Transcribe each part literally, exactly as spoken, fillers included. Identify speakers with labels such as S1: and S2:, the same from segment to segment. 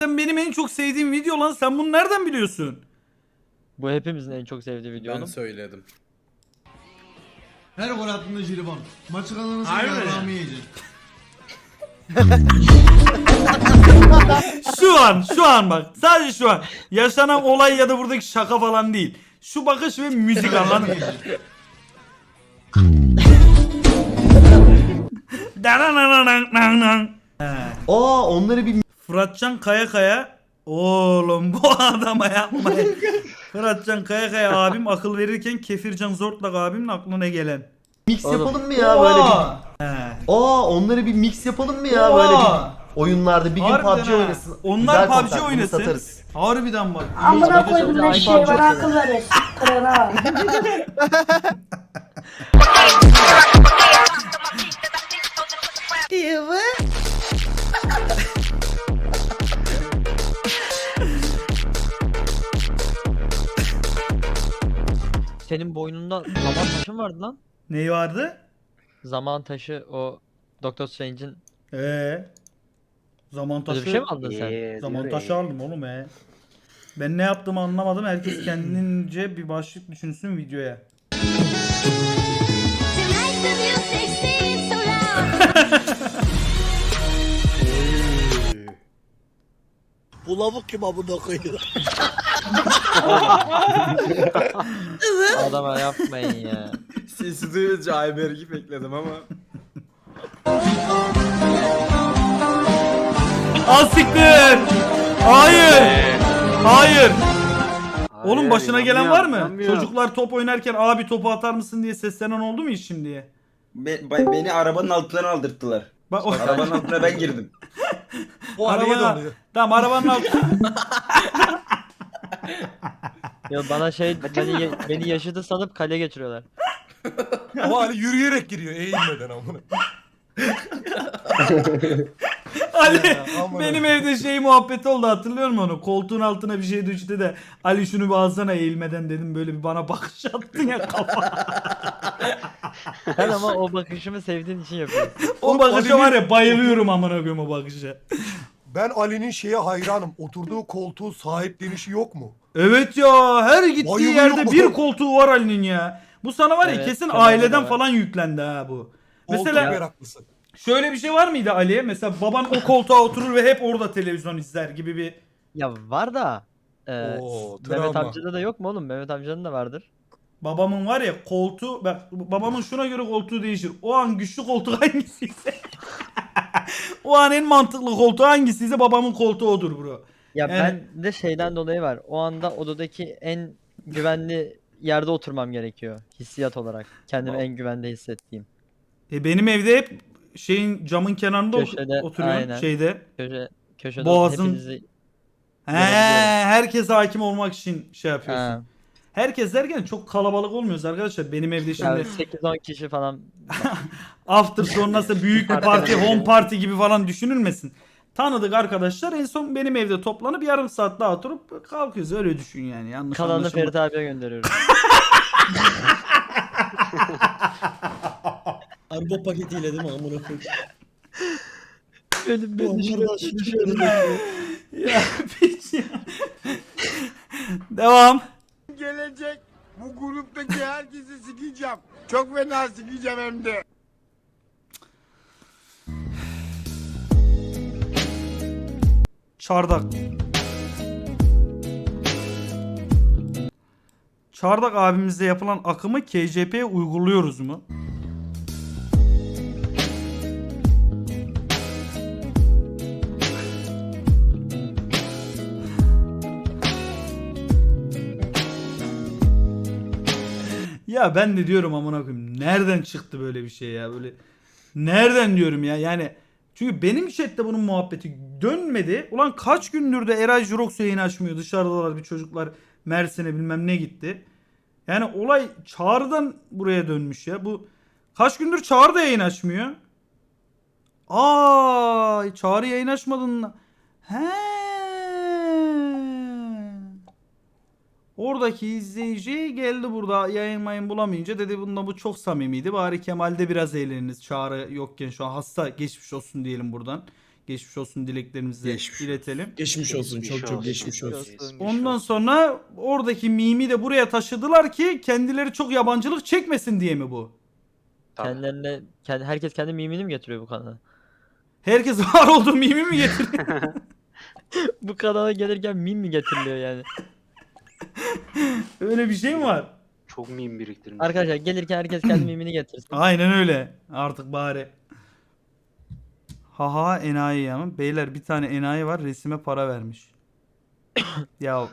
S1: benim en çok sevdiğim video lan. Sen bunu nereden biliyorsun?
S2: Bu hepimizin en çok sevdiği video
S3: Ben
S2: oğlum.
S3: söyledim.
S4: Her gol attığında jilibon. Maçı kazanırsa
S1: Harbi mi?
S4: yarrağımı yiyecek.
S1: Şu an, şu an bak. Sadece şu an. Yaşanan olay ya da buradaki şaka falan değil. Şu bakış ve müzik anladın mı?
S5: Aa onları bir
S1: Fıratcan Kaya Kaya. Oğlum bu adama yapmayın. Fıratcan Kaya Kaya abim akıl verirken Kefircan Zortlak abimin aklına gelen.
S5: mix
S2: Oğlum.
S5: yapalım mı ya böyle bir?
S1: He.
S5: Aa onları bir mix yapalım mı ya böyle bir oyunlarda bir gün
S1: Harbiden
S5: P U B G
S1: ha.
S5: oynasın.
S1: Onlar
S5: Güzel
S1: P U B G
S5: kontak, bunu
S1: oynasın.
S5: satarız.
S1: Harbiden bak.
S6: Amına koydum ne
S2: Ay,
S6: şey var
S2: parça
S6: akıl verir. Kırana.
S2: Senin boynunda zaman taşı mı vardı lan?
S1: Neyi vardı?
S2: Zaman taşı o Doctor Strange'in
S1: Ee. Zaman taşı.
S2: öyle bir şey mi aldın sen?
S1: Zaman taşı aldım oğlum he. Ben ne yaptığımı anlamadım. Herkes kendince bir başlık düşünsün videoya.
S7: Tonight the music seems so loud.
S8: Bu lavuk kim amına koyuyor?
S2: Adama yapmayın ya.
S3: Sesi duyunca Ayberk'i bekledim ama.
S1: Al siktir. Hayır. Hayır. Oğlum başına gelen var mı? Çocuklar top oynarken abi topu atar mısın diye seslenen oldu mu hiç şimdiye?
S9: Be- be- beni arabanın altından aldırttılar.
S1: Bak o
S9: Arabanın altına ben girdim.
S4: O araya
S1: Arabana-
S4: doluyor.
S1: Tamam arabanın altı.
S2: Ya bana şey beni, beni yaşadı sanıp kale geçiriyorlar.
S4: Ama hani yürüyerek giriyor eğilmeden amına.
S1: Ali
S4: aman
S1: benim evde şey muhabbeti oldu hatırlıyor musun onu? Koltuğun altına bir şey düştü de Ali şunu bir alsana eğilmeden dedim böyle bir bana bakış attın ya kafa.
S2: Sen ama o bakışımı sevdiğin için yapıyorsun.
S1: O bakışa var ya bayılıyorum amına koyayım o bakışa.
S10: Ben Ali'nin şeye hayranım. Oturduğu koltuğu sahiplenişi yok mu?
S1: Evet ya her gittiği
S10: Bayılıyorum.
S1: yerde bir koltuğu var Ali'nin ya. Bu sana var ya
S2: Evet,
S1: kesin
S2: bende de
S1: aileden
S2: var.
S1: falan yüklendi ha bu.
S10: Koltuk
S1: Mesela
S10: meraklısı.
S1: şöyle bir şey var mıydı Ali'ye? Mesela baban o koltuğa oturur ve hep orada televizyon izler gibi bir...
S2: Ya var da e,
S10: Oo,
S2: Mehmet
S10: travma.
S2: amcada da yok mu oğlum? Mehmet amcanın da vardır.
S1: Babamın var ya koltuğu, bak babamın şuna göre koltuğu değişir. O an güçlü koltuk hangisiyse. O an en mantıklı koltuğu hangisiyse babamın koltuğu odur bro.
S2: Ya
S1: Yani-
S2: ben de şeyden dolayı var. O anda odadaki en güvenli yerde oturmam gerekiyor. Hissiyat olarak. Kendimi en güvende hissettiğim.
S1: E benim evde hep şeyin camın kenarında ot-
S2: Köşede,
S1: oturuyorum
S2: aynen.
S1: şeyde.
S2: Köşe, köşede
S1: Boğazın-
S2: hepinizi...
S1: He,
S2: Görebiliyorum.
S1: herkese hakim olmak için şey yapıyorsun.
S2: Ha,
S1: Herkes derken çok kalabalık olmuyoruz arkadaşlar. Benim evde şimdi
S2: yani sekiz on kişi falan.
S1: after sonrası büyük bir parti, home party gibi falan düşünülmesin. Tanıdık arkadaşlar en son benim evde toplanıp yarım saat daha oturup kalkıyoruz. Öyle düşün yani. Yanlış
S2: Kalanını
S1: anlaşılma.
S2: Ferit abiye gönderiyorum.
S8: Araba paketiyle değil mi amına koyayım?
S2: Benim
S8: Bu onlardan şunu şöyle
S1: Ya piç ya. Devam.
S11: Gelecek bu gruptaki herkesi sikeceğim. Çok fena sikeceğim hem de.
S1: Çardak. Çardak abimizde yapılan akımı K C P'ye uyguluyoruz mu? Ya ben de diyorum amına koyayım nereden çıktı böyle bir şey ya böyle nereden diyorum ya yani çünkü benim chatte bunun muhabbeti dönmedi. Ulan kaç gündür de Eray Jurox yayını açmıyor dışarıdalar bir çocuklar Mersin'e bilmem ne gitti. Yani olay Çağrı'dan buraya dönmüş ya bu kaç gündür Çağrı da yayın açmıyor. Aa Çağrı yayın açmadın. He. Oradaki izleyici geldi burada yayın mayın bulamayınca dedi bunda bu çok samimiydi. Bari Kemal'de biraz eğleniniz Çağrı yokken şu an hasta geçmiş olsun diyelim buradan. geçmiş olsun dileklerimizi
S3: Geçmiş
S1: iletelim.
S8: Geçmiş olsun çok çok geçmiş olsun.
S1: Ondan sonra oradaki mimi de buraya taşıdılar ki kendileri çok yabancılık çekmesin diye mi bu?
S2: Kendilerine, kendi, herkes kendi mimini mi getiriyor bu kanala?
S1: Herkes var olduğu mimi mi getiriyor?
S2: Bu kanala gelirken mim mi getiriliyor yani?
S1: Öyle bir şey mi var?
S12: Çok meme biriktirmiş.
S2: Arkadaşlar gelirken herkes kendi mimini getirsin.
S1: Aynen öyle. Artık bari. Haha enayi ya. Beyler bir tane enayi var resime para vermiş. Ya.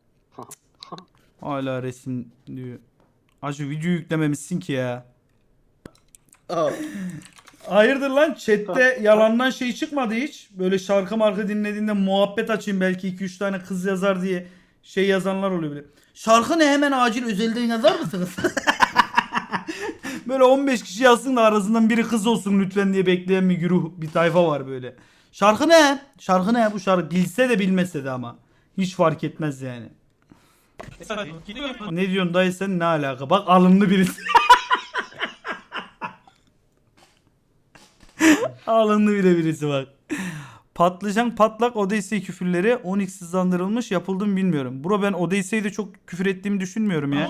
S1: Hala resim diyor. Acı video yüklememişsin ki ya.
S3: Aa,
S1: Hayırdır lan chatte yalandan şey çıkmadı hiç. Böyle şarkı marka dinlediğinde muhabbet açayım belki iki üç tane kız yazar diye şey yazanlar oluyor bile. Şarkı ne hemen acil özelden yazar mısınız? Böyle on beş kişi yazsın da arasından biri kız olsun lütfen diye bekleyen bir güruh bir tayfa var böyle. Şarkı ne? Şarkı ne bu şarkı? Bilse de bilmese de ama. Hiç fark etmez yani. Ne diyorsun dayı sen ne alaka? Bak alımlı birisi. Alındı bile birisi bak. Patlıcan patlak Odyssey küfürleri on x hızlandırılmış yapıldı mı bilmiyorum. Bro ben Odyssey'de çok küfür ettiğimi düşünmüyorum ya.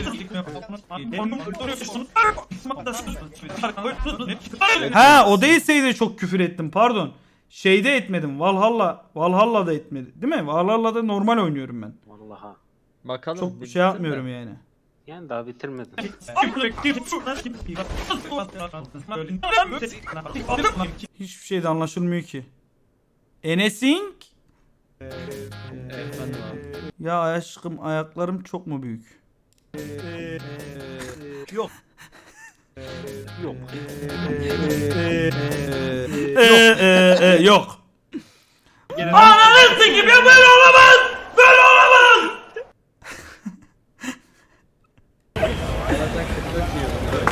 S1: Ha Odyssey'de çok küfür ettim pardon. Şeyde etmedim. Valhalla Valhalla'da etmedim. Değil mi? Valhalla'da normal oynuyorum ben.
S12: Vallahi.
S2: Bakalım.
S1: Çok
S2: bir
S1: şey
S2: bitirsin
S1: yapmıyorum
S2: de.
S1: yani.
S12: Yani daha bitirmedim.
S1: Hiçbir şey de anlaşılmıyor ki. Enesing?
S2: Efendim abi.
S1: Ya aşkım ayaklarım çok mu büyük? Yok.
S12: Yok.
S1: Yok. Yok. Ananı sikeyim ya böyle olamaz. Böyle olamaz.
S2: Bazen kırk dört yiyorum.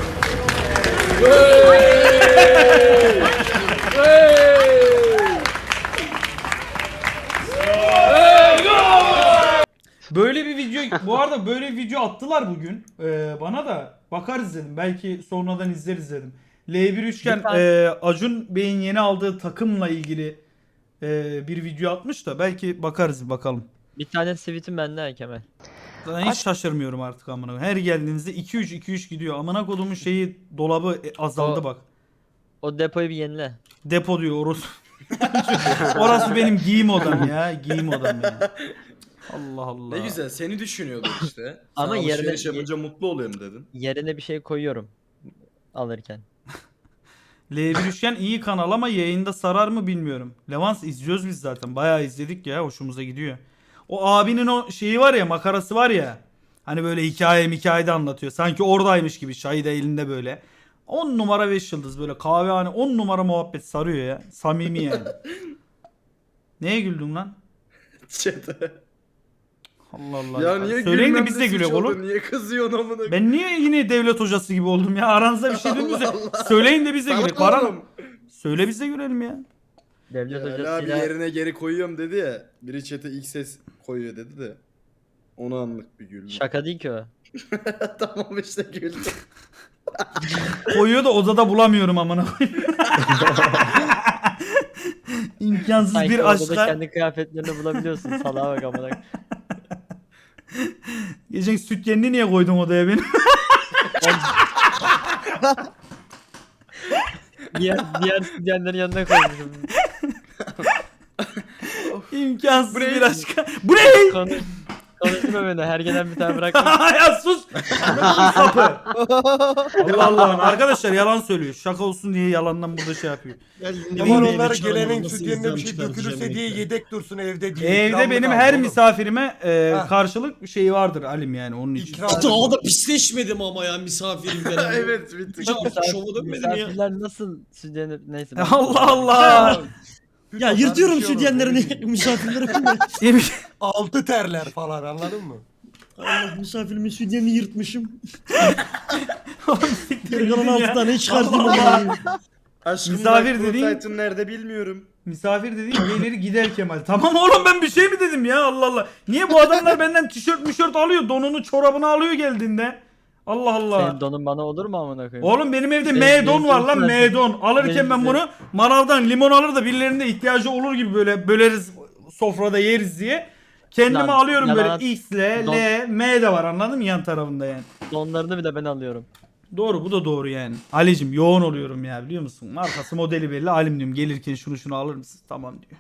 S1: Böyle bir video bu arada böyle bir video attılar bugün ee, bana da bakarız dedim belki sonradan izleriz dedim. L bir üçgen
S2: Bir tane-
S1: e, Acun Bey'in yeni aldığı takımla ilgili e, bir video atmış da belki bakarız bakalım.
S2: Bir tane tweetim bende ha Kemal.
S1: Zaten hiç şaşırmıyorum artık amına koyayım. Her geldiğinizde iki üç iki üç gidiyor. Amına kodumun şeyi dolabı e, azaldı
S2: O-
S1: bak.
S2: O depoyu bir yenile.
S1: Depo diyor orası. Orası benim giyim odam ya. Giyim odam ya. Allah Allah.
S3: ne güzel seni düşünüyordum işte.
S2: Ama
S3: Ama
S2: yerine-
S3: alışveriş yapınca mutlu oluyorum dedin.
S2: Yerine bir şey koyuyorum. Alırken.
S1: L bir üçgen iyi kanal ama yayında sarar mı bilmiyorum. Levans izliyoruz biz zaten. Bayağı izledik ya. Hoşumuza gidiyor. O abinin o şeyi var ya makarası var ya. Hani böyle hikaye hikayede anlatıyor. Sanki oradaymış gibi. Çayı da elinde böyle. on numara beş yıldız böyle kahvehane on numara muhabbet sarıyor ya. Samimi yani. Neye güldün lan?
S3: Çete.
S1: Allah Allah.
S3: Ya niye
S1: Söyleyin de
S3: gülmem
S1: biz
S3: de
S1: de
S3: suç
S1: gülelim
S3: oldu?
S1: oğlum.
S3: Niye kızıyorsun amına koyayım?
S1: Ben niye yine devlet hocası gibi oldum ya? Aranızda bir şey dönmüşse söyleyin de biz de
S3: Tamam
S1: gülelim. Baran
S3: oğlum.
S1: söyle biz de gülelim ya.
S2: Devlet
S3: Ali abi
S2: hocasıyla
S3: yerine geri koyuyorum dedi ya. Biri chat'e ilk ses koyuyor dedi de. Onu anlık bir güldüm.
S2: şaka değil ki o.
S3: Tamam işte güldüm.
S1: Koyuyor da odada bulamıyorum amına koyayım. İmkansız
S2: Sanki
S1: bir
S2: odada
S1: aşka.
S2: kendi kıyafetlerini bulabiliyorsun. Salaha bak amına.
S1: Geçen süt yenini niye koydun odaya benim?
S2: diğer diğer stüdyenlerin yanına koymuşum.
S1: İmkansız
S3: Bu ne?
S1: bir aşka. Bu ne?
S2: Konuş, konuşma beni. Her gelen bir tane bırakma.
S1: Ya sus. Sapı. Allah Allah. Arkadaşlar yalan söylüyor. Şaka olsun diye yalandan burada şey yapıyor.
S10: Aman onlar gelenin süt yerine bir şey dökülürse diye yedek dursun evde diye.
S1: Evde
S10: İkramlık
S1: benim
S10: aldı
S1: her
S10: oğlum.
S1: misafirime e,
S10: Ha.
S1: karşılık şeyi vardır Alim yani onun için.
S10: İkram.
S8: Daha da pisleşmedim ama ya misafirim falan.
S3: evet bitti.
S8: Hiç şova dönmedim ya.
S2: Misafirler nasıl stüdyenler neyse. ben-
S1: Allah Allah.
S8: Ya
S10: Bir
S8: yırtıyorum
S10: şey olur,
S8: sütyenlerini
S10: öyle
S8: misafirlere.
S1: Yemiş.
S10: Altı terler falan anladın mı?
S8: Allah misafirimin sütyenini yırtmışım.
S1: Siktir
S8: Geri kalan
S1: gidin
S8: altı
S1: ya.
S8: tane çıkarttım
S1: Allah
S8: ama.
S3: Aşkım
S1: Misafir
S3: Misafir
S1: dediğin-
S3: Titan nerede bilmiyorum.
S1: Misafir dediğin gelir gider Kemal. Tamam oğlum ben bir şey mi dedim ya Allah Allah. Niye bu adamlar benden tişört mişört alıyor donunu çorabını alıyor geldiğinde. Allah Allah.
S2: Senin donun bana olur mu amına koyayım?
S1: Oğlum benim evde
S2: Benim-
S1: M-don
S2: benim
S1: var lan
S2: çok
S1: M-don. Alırken ben
S2: Benim-
S1: bunu manavdan limon alır da birilerinde ihtiyacı olur gibi böyle böleriz sofrada yeriz diye. Kendime
S2: Lan,
S1: alıyorum
S2: yalan-
S1: böyle X, L,
S2: Don-
S1: L, M de var anladın mı yan tarafında yani.
S2: Donlarını bile ben alıyorum.
S1: Doğru bu da doğru yani. Ali'cim yoğun oluyorum ya biliyor musun? Markası modeli belli. Alim diyorum gelirken şunu şunu alır mısın? Tamam diyor.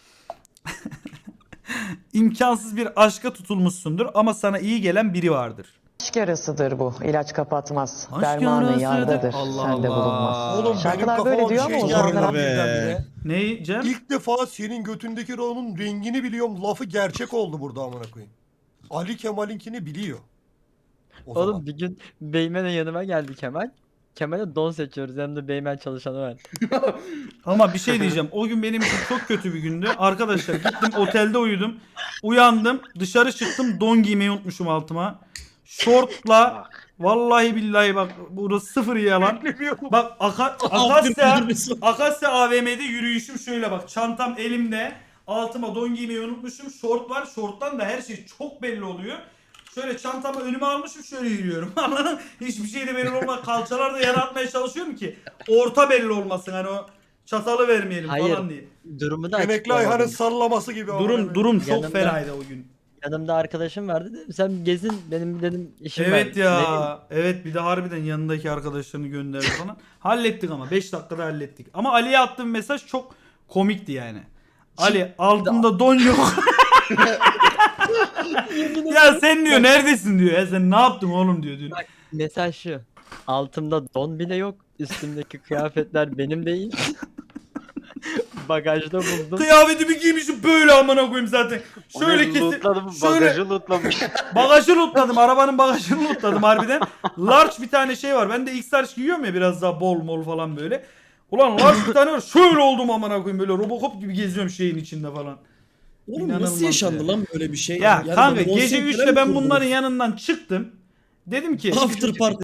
S1: İmkansız bir aşka tutulmuşsundur ama sana iyi gelen biri vardır.
S6: Aşk yarasıdır bu. İlaç kapatmaz.
S1: Aşk
S6: Dermanı
S1: yarasıdır.
S6: yardadır.
S1: Allah
S6: Sende
S1: Allah.
S6: bulunmaz.
S10: Oğlum benim
S6: Şarkılar
S10: kafama
S6: böyle
S10: bir
S6: diyor
S10: şey
S6: ama o
S10: geldi
S6: zamanlar
S10: birdenbire.
S1: Ne Cem?
S10: İlk defa senin götündeki Ron'un rengini biliyorum. Lafı gerçek oldu burada amına koyayım. Ali Kemal'inkini biliyor. O
S2: Oğlum
S10: zaman.
S2: bir gün Beymen'e yanıma geldi Kemal. Kemal'e don seçiyoruz. Yanımda Beymen çalışanı var.
S1: Ama bir şey diyeceğim. O gün benim için çok kötü bir gündü. Arkadaşlar gittim otelde uyudum. Uyandım. Dışarı çıktım. Don giymeyi unutmuşum altıma. Şortla vallahi billahi bak burası sıfır yalan. Bak Aka, Akasya, Akasya A V M'de yürüyüşüm şöyle bak. Çantam elimde. Altıma don giymeyi unutmuşum. Şort var. Şorttan da her şey çok belli oluyor. Şöyle çantamı önüme almışım şöyle yürüyorum. Anladın mı? Hiçbir şey de belli olmaz. Kalçalar da yere atmaya çalışıyorum ki orta belli olmasın. Hani o çatalı vermeyelim
S2: Hayır.
S1: falan diye.
S2: Durumu da
S10: Emekli Ayhan'ın
S2: açıklamadım.
S10: sallaması gibi. amına
S1: Durum
S10: koyayım.
S1: durum çok
S2: Yanımda-
S1: fenaydı o gün.
S2: Yanımda arkadaşım vardı. Dedim, sen gezin benim dedim işim var.
S1: Evet
S2: Ne bileyim,
S1: ya. Evet bir de harbiden yanındaki arkadaşlarını gönderdi falan. Hallettik ama beş dakikada hallettik. Ama Ali'ye attığım mesaj çok komikti yani. Ali altında don yok. Ya sen diyor neredesin diyor. Ya sen ne yaptın oğlum diyor. diyor.
S2: Mesaj şu. Altımda don bile yok. Üstümdeki kıyafetler benim değil. Bagajda buldum.
S1: Kıyafetimi giymişim böyle amına koyayım zaten. Şöyle kesin.
S12: Lootladım,
S1: Şöyle
S12: bagajı lootlamış.
S1: bagajı lootladım. Arabanın bagajını lootladım harbiden. Large bir tane şey var. Ben de X-Large giyiyorum ya biraz daha bol mol falan böyle. Ulan large bir tane var. Şöyle oldum amına koyayım böyle Robocop gibi geziyorum şeyin içinde falan.
S8: Oğlum
S1: İnanılmaz
S8: nasıl yaşandı
S1: ya.
S8: lan böyle bir şey?
S1: Ya
S8: Yani
S1: kanka
S8: böyle
S1: gece
S8: konsept
S1: üçte
S8: falan
S1: ben
S8: mı
S1: bunların
S8: kurdunuz?
S1: yanından çıktım. Dedim ki
S8: After party.